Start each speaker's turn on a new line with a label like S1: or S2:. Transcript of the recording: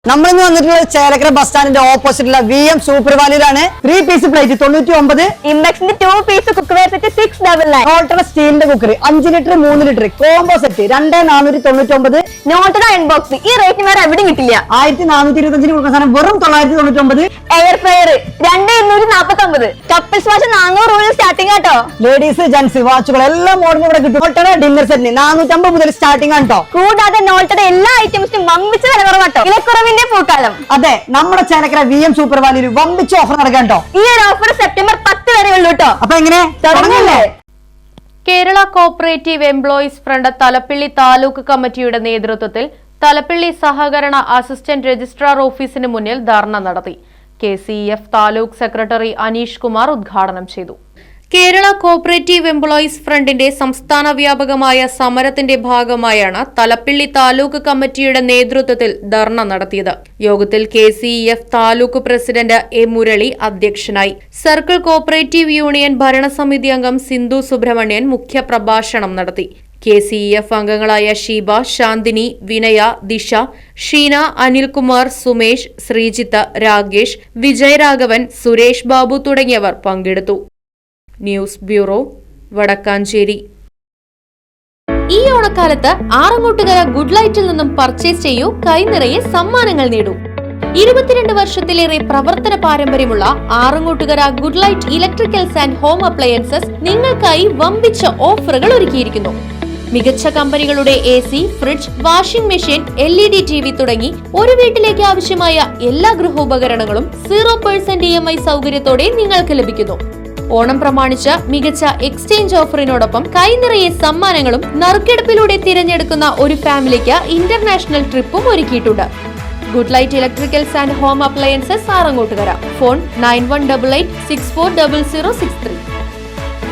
S1: നമ്മളിന്ന് വന്നിട്ടുള്ള ചേലക്കര ബസ് സ്റ്റാൻഡിന്റെ ഓപ്പോസിറ്റുള്ള VM സൂപ്പർ വാലിയിലാണ് 3 പീസ് പ്ലേറ്റ് 99,
S2: ഇംബെക്സിന്റെ 2 പീസ് കുക്ക്വെയർ സെറ്റ് 699,
S1: നോട്ടയുടെ സ്റ്റീലിന്റെ cooker 5 litre 3 litre combo set 2499,
S2: നോട്ടയുടെ അൺബോക്സ് ഈ റേറ്റിന് വേറെ എവിടെയും കിട്ടില്ല.
S1: 1425 കൊടുക്കുന്ന സാധനം വെറും 999,
S2: എയർ ഫ്രയർ 2249, കപ്പിൾസ് വാച്ച് 400 രൂപ സ്റ്റാർട്ടിംഗ് ആട്ടോ.
S1: ലേഡീസ് ജെന്റ്സ് വാച്ചുകൾ എല്ലാ മോഡലും ഇവിടെ കിട്ടും. നോട്ടയുടെ ഡിന്നർ സെറ്റിന് 450 മുതൽ സ്റ്റാർട്ടിംഗ് ആണ് കേട്ടോ.
S2: കൂടാതെ നോട്ടയുടെ എല്ലാ ഐറ്റംസിനും വമ്പിച്ച വില കുറവാട്ടോ. വിലക്കുറവിന്റെ പൂക്കാലം.
S1: അതെ, നമ്മുടെ ചേലക്കര VM സൂപ്പർ വാലിയിൽ വമ്പിച്ച ഓഫർ നടക്കാൻ കേട്ടോ.
S2: ഈ ഒരു ഓഫർ സെപ്റ്റംബർ 10 വരെ ഉള്ളൂ കേട്ടോ.
S1: അപ്പൊ എങ്ങനെ തുടങ്ങല്ലേ?
S3: Kerala co-operative employees front Thalappilly taluk കമ്മിറ്റിയുടെ നേതൃത്വത്തിൽ തലപ്പിള്ളി സഹകരണ അസിസ്റ്റന്റ് രജിസ്ട്രാർ ഓഫീസിന് മുന്നിൽ ധർണ നടത്തി. KCF താലൂക്ക് സെക്രട്ടറി അനീഷ് കുമാർ ഉദ്ഘാടനം ചെയ്തു. കേരള കോഓപ്പറേറ്റീവ് എംപ്ലോയീസ് ഫ്രണ്ടിന്റെ സംസ്ഥാന വ്യാപകമായ സമരത്തിന്റെ ഭാഗമായാണ് തലപ്പിള്ളി താലൂക്ക് കമ്മിറ്റിയുടെ നേതൃത്വത്തിൽ ധർണ നടത്തിയത്. യോഗത്തിൽ KCF taluk president A. Murali അധ്യക്ഷനായി. സർക്കിൾ കോഓപ്പറേറ്റീവ് യൂണിയൻ ഭരണസമിതി അംഗം സിന്ധു സുബ്രഹ്മണ്യൻ മുഖ്യപ്രഭാഷണം നടത്തി. KCF അംഗങ്ങളായ ഷീബ, ശാന്തിനി, വിനയ, ദിശ, ഷീന, അനിൽകുമാർ, സുമേഷ്, ശ്രീജിത്ത്, രാകേഷ്, വിജയരാഘവൻ, സുരേഷ് ബാബു തുടങ്ങിയവർ പങ്കെടുത്തു. News bureau, Vadakkanchery. ഈ ഓണക്കാലത്ത് ആറങ്ങോട്ടുകര ഗുഡ് ലൈറ്റിൽ നിന്നും പർച്ചേസ് ചെയ്യൂ, കൈനിറയെ സമ്മാനങ്ങൾ നേടൂ. 22 വർഷത്തിലേറെ പ്രവർത്തന പാരമ്പര്യമുള്ള Arangottukara good light electricals and home appliances നിങ്ങൾക്കായി വമ്പിച്ച ഓഫറുകൾ ഒരുക്കിയിരിക്കുന്നു. മികച്ച കമ്പനികളുടെ AC, fridge, washing machine, LED TV തുടങ്ങി ഒരു വീട്ടിലേക്ക് ആവശ്യമായ എല്ലാ ഗൃഹോപകരണങ്ങളും 0% EMI സൗകര്യത്തോടെ നിങ്ങൾക്ക് ലഭിക്കുന്നു. ഓണം പ്രമാണിച്ച് മികച്ച എക്സ്ചേഞ്ച് ഓഫറിനോടൊപ്പം കൈനിറയെ സമ്മാനങ്ങളും നറുക്കെടുപ്പിലൂടെ തിരഞ്ഞെടുക്കുന്ന ഒരു ഫാമിലിക്ക് ഇന്റർനാഷണൽ ട്രിപ്പും ഒരുക്കിയിട്ടുണ്ട്. Good light electricals and home appliances Arangottukara. Phone 9188640063.